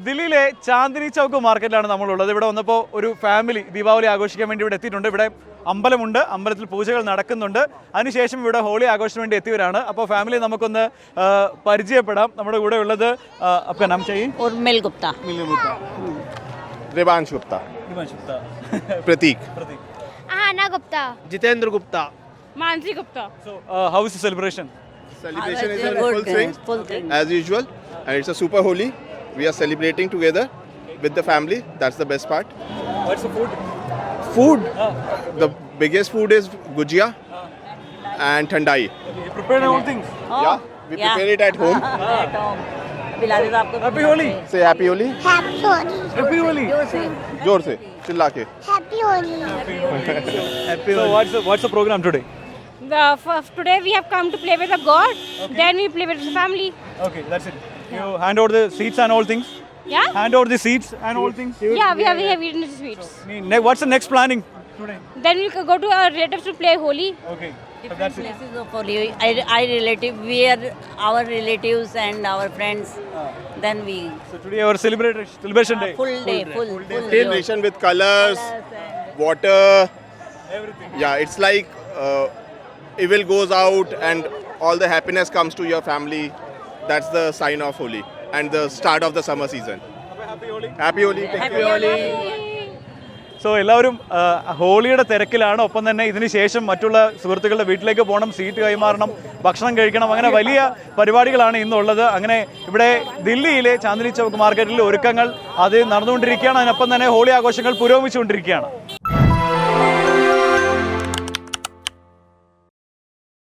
ദില്ലിയിലെ ചാന്ദിനി ചൗക്ക് മാർക്കറ്റിലാണ് നമ്മളുള്ളത്. ഇവിടെ വന്നപ്പോൾ ഒരു ഫാമിലി ദീപാവലി ആഘോഷിക്കാൻ വേണ്ടി ഇവിടെ എത്തിയിട്ടുണ്ട്. ഇവിടെ അമ്പലമുണ്ട്, അമ്പലത്തിൽ പൂജകൾ നടക്കുന്നുണ്ട്. അതിനുശേഷം ഇവിടെ ഹോളി ആഘോഷത്തിന് വേണ്ടി എത്തിയവരാണ്. അപ്പോൾ ഫാമിലി നമുക്കൊന്ന് പരിചയപ്പെടാം. നമ്മുടെ കൂടെ ഉള്ളത് आपका नाम चाहिए? उर्मिल गुप्ता। देवांश गुप्ता, प्रतीक, आना Gupta, Jitendra Gupta, Mansi Gupta. So how is the celebration? celebration is in full swing as usual, and it's a super holy. We are celebrating together with the family. That's the best part. What's the food? Food, the biggest food is gujia and thandai. You prepared all things. Yeah, we prepare it at home. At home. Bilari साहब को Happy Holi. Say happy holi. Happy Holi, Happy Holi. जोर से चिल्ला के. Happy Holi. So what's the program today? Today we have come to play with the God. Then we play with the family. Okay, that's it. You hand over the seats and all things. Yeah. Hand over the seats and all things. Yeah, we have eaten the sweets. What's the next planning today? Then we go to our relatives to play Holi. Okay. So different that's it. places of Holi. We are our relatives and our friends. Then we So today our celebration day. full day. Celebration with colors, water. Everything. Yeah, it's like evil goes out and all the happiness comes to your family. That's the sign of Holi and the start of the summer season. Happy Holi. Happy Holi. Take Happy care. Holi. So എല്ലാവരും ഹോളിയുടെ തിരക്കിലാണ്. ഒപ്പം തന്നെ ഇതിന് ശേഷം മറ്റുള്ള സുഹൃത്തുക്കളുടെ വീട്ടിലേക്ക് പോകണം, സീറ്റ് കൈമാറണം, ഭക്ഷണം കഴിക്കണം. അങ്ങനെ വലിയ പരിപാടികളാണ് ഇന്നുള്ളത്. അങ്ങനെ ഇവിടെ ദില്ലിയിലെ ചാന്ദിനി ചൗക്ക് മാർക്കറ്റിൽ ഒരുക്കങ്ങൾ അത് നടന്നുകൊണ്ടിരിക്കുകയാണ്. അതിനൊപ്പം തന്നെ ഹോളി ആഘോഷങ്ങൾ പുരോഗമിച്ചുകൊണ്ടിരിക്കുകയാണ്.